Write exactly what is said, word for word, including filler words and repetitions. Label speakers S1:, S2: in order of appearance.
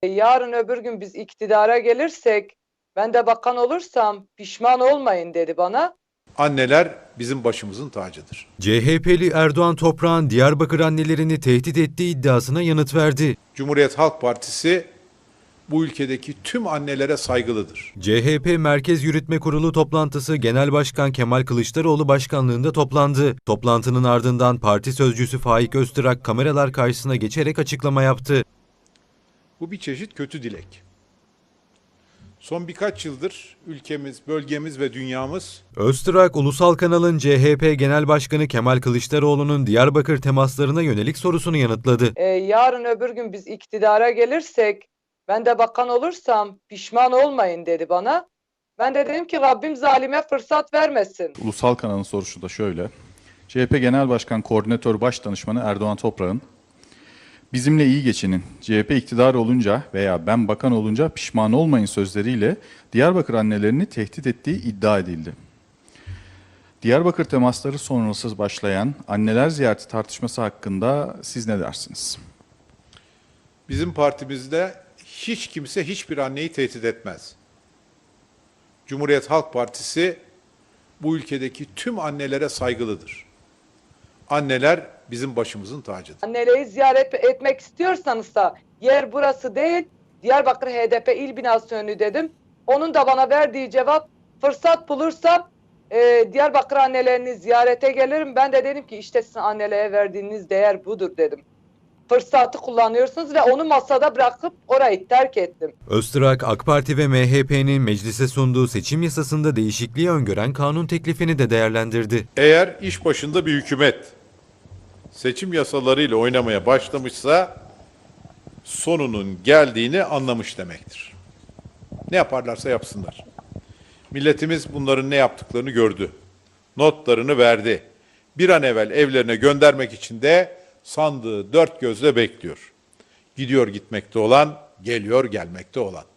S1: Yarın öbür gün biz iktidara gelirsek, ben de bakan olursam pişman olmayın dedi bana.
S2: Anneler bizim başımızın tacıdır.
S3: C H P'li Erdoğan Toprak'ın Diyarbakır annelerini tehdit ettiği iddiasına yanıt verdi.
S2: Cumhuriyet Halk Partisi bu ülkedeki tüm annelere saygılıdır.
S3: C H P Merkez Yürütme Kurulu toplantısı Genel Başkan Kemal Kılıçdaroğlu başkanlığında toplandı. Toplantının ardından parti sözcüsü Faik Öztürk kameralar karşısına geçerek açıklama yaptı.
S2: Bu bir çeşit kötü dilek. Son birkaç yıldır ülkemiz, bölgemiz ve dünyamız
S3: Öztürk, Ulusal Kanal'ın C H P Genel Başkanı Kemal Kılıçdaroğlu'nun Diyarbakır temaslarına yönelik sorusunu yanıtladı.
S1: Ee, yarın öbür gün biz iktidara gelirsek, ben de bakan olursam pişman olmayın dedi bana. Ben de dedim ki Rabbim zalime fırsat vermesin.
S4: Ulusal Kanal'ın sorusu da şöyle. C H P Genel Başkan Koordinatör Başdanışmanı Erdoğan Toprak'ın bizimle iyi geçinin, C H P iktidar olunca veya ben bakan olunca pişman olmayın sözleriyle Diyarbakır annelerini tehdit ettiği iddia edildi. Diyarbakır temasları sonrası başlayan anneler ziyareti tartışması hakkında siz ne dersiniz?
S2: bizim partimizde hiç kimse hiçbir anneyi tehdit etmez. Cumhuriyet Halk Partisi bu ülkedeki tüm annelere saygılıdır. Anneler bizim başımızın tacıdır.
S1: Anneleri ziyaret etmek istiyorsanız da yer burası değil, Diyarbakır H D P il binası önü dedim. Onun da bana verdiği cevap, fırsat bulursam e, Diyarbakır annelerini ziyarete gelirim. Ben de dedim ki işte sizin annelere verdiğiniz değer budur dedim. Fırsatı kullanıyorsunuz ve onu masada bırakıp orayı terk ettim.
S3: Öztürk, AK Parti ve M H P'nin meclise sunduğu seçim yasasında değişikliği öngören kanun teklifini de değerlendirdi.
S2: Eğer iş başında bir hükümet seçim yasalarıyla oynamaya başlamışsa sonunun geldiğini anlamış demektir. Ne yaparlarsa yapsınlar. Milletimiz bunların ne yaptıklarını gördü. Notlarını verdi. Bir an evvel evlerine göndermek için de sandığı dört gözle bekliyor. Gidiyor gitmekte olan, geliyor gelmekte olan.